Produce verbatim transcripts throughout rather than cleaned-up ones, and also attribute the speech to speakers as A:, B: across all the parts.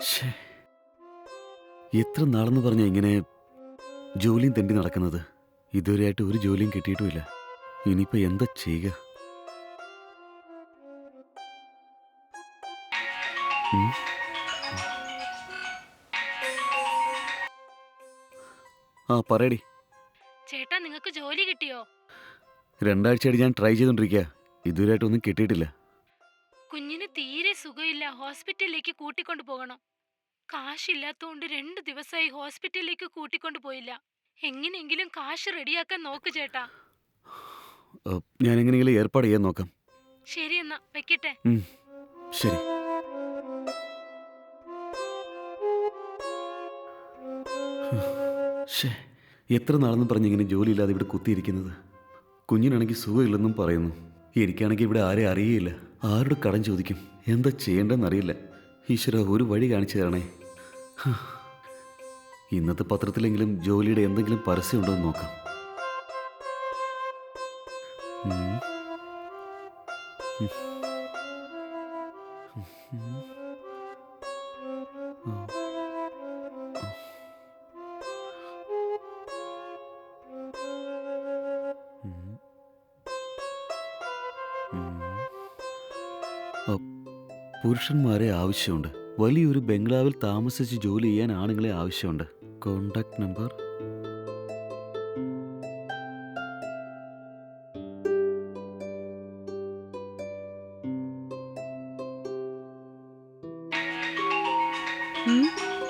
A: ശ്ശേ, എത്ര നാളെന്ന് പറഞ്ഞാ ഇങ്ങനെ ജോലിയും തെണ്ടി നടക്കുന്നത്? ഇതുവരെയായിട്ട് ഒരു ജോലിയും കിട്ടിയിട്ടുമില്ല. ഇനിയിപ്പോ എന്താ ചെയ്യുക? ഉം. ആ പറയടി.
B: ചേട്ടാ നിങ്ങൾക്ക് ജോലി കിട്ടിയോ?
A: രണ്ടാഴ്ചയായിട്ട് ഞാൻ ട്രൈ ചെയ്തോണ്ടിരിക്കുക. ഇതുവരെയായിട്ടൊന്നും കിട്ടിയിട്ടില്ല.
B: കുഞ്ഞിന് തീരെ സുഖമില്ല, ഹോസ്പിറ്റലിലേക്ക് കൂട്ടിക്കൊണ്ടു പോകണം. കാശില്ലാത്തോണ്ട് രണ്ട് ദിവസമായി ഹോസ്പിറ്റലിലേക്ക് കൂട്ടിക്കൊണ്ടു പോയില്ല. എങ്ങനെയെങ്കിലും കാശ് റെഡിയാക്കാൻ നോക്ക് ചേട്ടാ.
A: ഏ, ഞാൻ എങ്ങനെയെങ്കിലും ഏർപ്പാട് ചെയ്യാൻ നോക്കാം.
B: ശരി എന്നാ വെക്കട്ടെ.
A: ഉം, ശരി. ശ്ശേ, എത്ര നാളെന്ന് പറഞ്ഞ് ഇങ്ങനെ ജോലിയില്ലാതെ ഇവിടെ കുത്തിയിരിക്കുന്നത്? കുഞ്ഞിനാണെങ്കിൽ സുഖമില്ലെന്നും പറയുന്നു. എനിക്കാണെങ്കിൽ ഇവിടെ ആരെ അറിയേയില്ല. ആരോട് കടം ചോദിക്കും? എന്താ ചെയ്യേണ്ടതെന്നറിയില്ല. ഈശ്വര, ഒരു വഴി കാണിച്ചു തരണേ. ഹ്. ഇന്നത്തെ പത്രത്തിലെങ്കിലും ജോലിയുടെ എന്തെങ്കിലും പരസ്യം ഉണ്ടോ എന്ന് നോക്കാം. ഉം. ഉം. ഉം. ആ. ഉം. ഉം. ആ, പുരുഷന്മാരെ ആവശ്യമുണ്ട്. വലിയൊരു ബംഗ്ലാവിൽ താമസിച്ച് ജോലി ചെയ്യാൻ ആണുങ്ങളെ ആവശ്യമുണ്ട്. Contact number.
C: ഉം.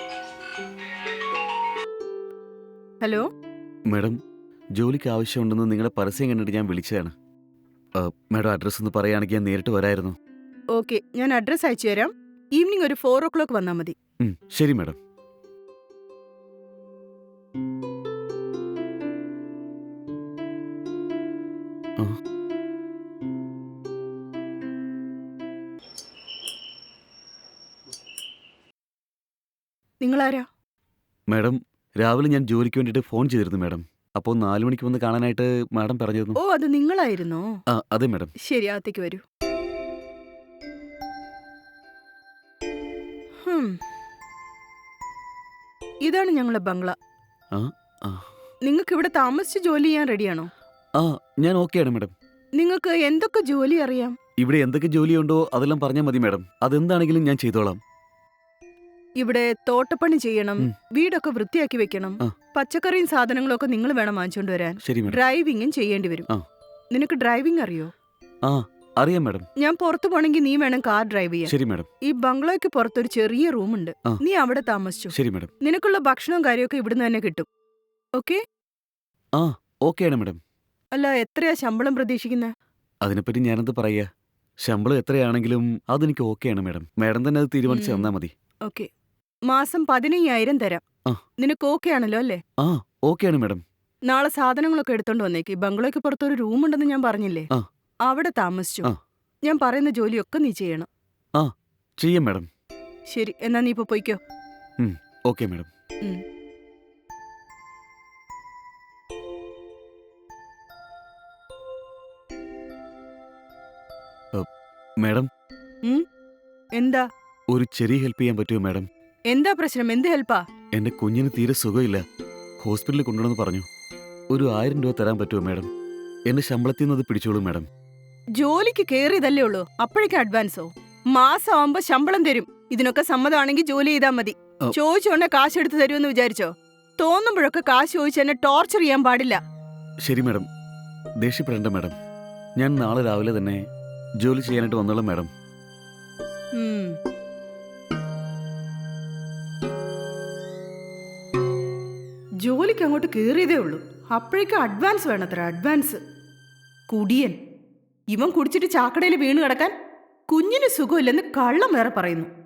C: ഹലോ.
A: മാഡം, ജോലിക്ക് ആവശ്യമുണ്ടെന്ന് നിങ്ങളുടെ പരസ്യം കണ്ടിട്ട് ഞാൻ വിളിച്ചതാണ്. ആ, മാഡം അഡ്രസ്സ് ഒന്ന് പറയുകയാണെങ്കിൽ ഞാൻ നേരിട്ട് വരായിരുന്നു.
C: ഓക്കെ, ഞാൻ അഡ്രസ് അയച്ചു തരാം. ഈവനിങ് ഒരു ഫോർ ഓ ക്ലോക്ക് വന്നാൽ മതി.
A: ഉം, ശരി മാഡം. ആ,
C: നിങ്ങളാരാ?
A: മാഡം, രാവിലെ ഞാൻ ജോലിക്ക് വേണ്ടിയിട്ട് ഫോൺ ചെയ്തിരുന്നു മാഡം. അപ്പോൾ നാല് മണിക്ക് വന്ന് കാണാനായിട്ട് മാഡം പറഞ്ഞിരുന്നു.
C: ഓ, അത് നിങ്ങളായിരുന്നോ?
A: ആ, അതെ മാഡം.
C: ശരി, അകത്തേക്ക് വരൂ. ഹും. ഇതാണ് ഞങ്ങളെ ബംഗ്ല.
A: ആ, ആ,
C: നിങ്ങൾക്ക് ഇവിടെ താമസിച്ച് ജോലി ചെയ്യാൻ റെഡിയാണോ?
A: ആ, ഞാൻ ഓക്കെയാണ് മാഡം.
C: നിങ്ങൾക്ക് എന്തൊക്കെ ജോലി അറിയാം?
A: ഇവിടെ എന്തൊക്കെ ജോലിയുണ്ടോ അതെല്ലാം പറഞ്ഞാൽ മതി മാഡം. അതെന്താണെങ്കിലും ഞാൻ ചെയ്തോളാം.
C: ഇവിടെ തോട്ടപ്പണി ചെയ്യണം,
A: ഉം.
C: വീടൊക്കെ വൃത്തിയാക്കി വെക്കണം,
A: ആ.
C: പച്ചക്കറിയും സാധനങ്ങളും ഒക്കെ നിങ്ങൾ വേണം വാങ്ങിച്ചോണ്ട് വരാൻ.
A: ശരി മാഡം.
C: ഡ്രൈവിംഗും ചെയ്യേണ്ടി വരും.
A: ആ.
C: നിനക്ക് ഡ്രൈവിംഗ് അറിയോ?
A: ആ, അറിയാം മാഡം.
C: ഞാൻ പുറത്തു പോണെങ്കിൽ നീ വേണം കാർ ഡ്രൈവ് ചെയ്യാൻ.
A: ശരി മാഡം.
C: ഈ ബംഗ്ലോയ്ക്ക് പുറത്തൊരു ചെറിയ റൂമുണ്ട്.
A: ആ.
C: നീ അവിടെ താമസിച്ചു.
A: ശരി മാഡം.
C: നിനക്കുള്ള ഭക്ഷണവും കാര്യമൊക്കെ ഇവിടുന്ന് തന്നെ കിട്ടും. ഓക്കെ?
A: ആ, ഓക്കെയാണ് മാഡം.
C: അല്ല, എത്രയാ ശമ്പളം പ്രതീക്ഷിക്കുന്നത്?
A: അതിനെപ്പറ്റി ഞാനെന്ത് പറയുക? ശമ്പളം എത്രയാണെങ്കിലും അതെനിക്ക് ഓക്കെയാണ് മാഡം. മാഡം തന്നെ അത് തീരുമാനിച്ച്
C: ഉം.
A: തന്നാ മതി.
C: ഓക്കെ, മാസം പതിനയ്യായിരം തരാം.
A: ആ.
C: നിനക്ക് ഓക്കെ ആണല്ലോ അല്ലേ?
A: ആ, ഓക്കെയാണ് മാഡം.
C: നാളെ സാധനങ്ങളൊക്കെ എടുത്തോണ്ട് വന്നേക്ക്. ബംഗ്ലോയ്ക്ക് പുറത്തൊരു റൂമുണ്ടെന്ന് ഞാൻ പറഞ്ഞില്ലേ?
A: ആ.
C: അവിടെ താമസിച്ചു.
A: ആ.
C: ഞാൻ പറയുന്ന ജോലിയൊക്കെ നീ ചെയ്യണം.
A: ആ, ചെയ്യാം മാഡം.
C: ശരി, എന്നാ നീ ഇപ്പൊ പൊയ്ക്കോ.
A: ഉം, ഓക്കെ മാഡം.
C: ഉം.
A: മാഡം,
C: ഉം? എന്താ
A: ഒരു ചെറിയ ഹെൽപ്പ് ചെയ്യാൻ പറ്റുമോ മാഡം?
C: എന്താ പ്രശ്നം? എന്ത് ഹെൽപ്പാ?
A: എൻ്റെ കുഞ്ഞിന് തീരെ സുഖമില്ല. ഹോസ്പിറ്റലിൽ കൊണ്ടുവന്ന് പറഞ്ഞു. ഒരു ആയിരം രൂപ തരാൻ പറ്റുമോ മാഡം? എൻ്റെ ശമ്പളത്തിൽ നിന്ന് അത് പിടിച്ചോളൂ മാഡം.
C: ജോലിക്ക് കേറിയതല്ലേ ഉള്ളൂ, അപ്പോഴേക്കും അഡ്വാൻസോ? മാസം ആവുമ്പോ ശമ്പളം തരും. ഇതിനൊക്കെ സമ്മതമാണെങ്കിൽ ജോലി ചെയ്താ മതി.
A: ഓ.
C: ചോദിച്ചോണ്ടെ കാശ് എടുത്ത് തരുമെന്ന് വിചാരിച്ചോ? തോന്നുമ്പോഴൊക്കെ കാശ് ചോദിച്ച് എന്നെ ടോർച്ചർ ചെയ്യാൻ പാടില്ല.
A: ശരി മാഡം, ദേഷ്യപ്പെടേണ്ട മാഡം. ഞാൻ നാളെ രാവിലെ തന്നെ ജോലി ചെയ്യാനായിട്ട് വന്നോളാം മാഡം.
C: ഉം. ജോലിക്ക് അങ്ങോട്ട് കേറിയതേ ഉള്ളൂ, അപ്പോഴേക്കും അഡ്വാൻസ് വേണത്ര. അഡ്വാൻസ്. കുടിയൻ. ഇവൻ കുടിച്ചിട്ട് ചാക്കടയിൽ വീണ് കിടക്കാൻ കുഞ്ഞിന് സുഖമില്ലെന്ന് കള്ളം വേറെ പറയുന്നു.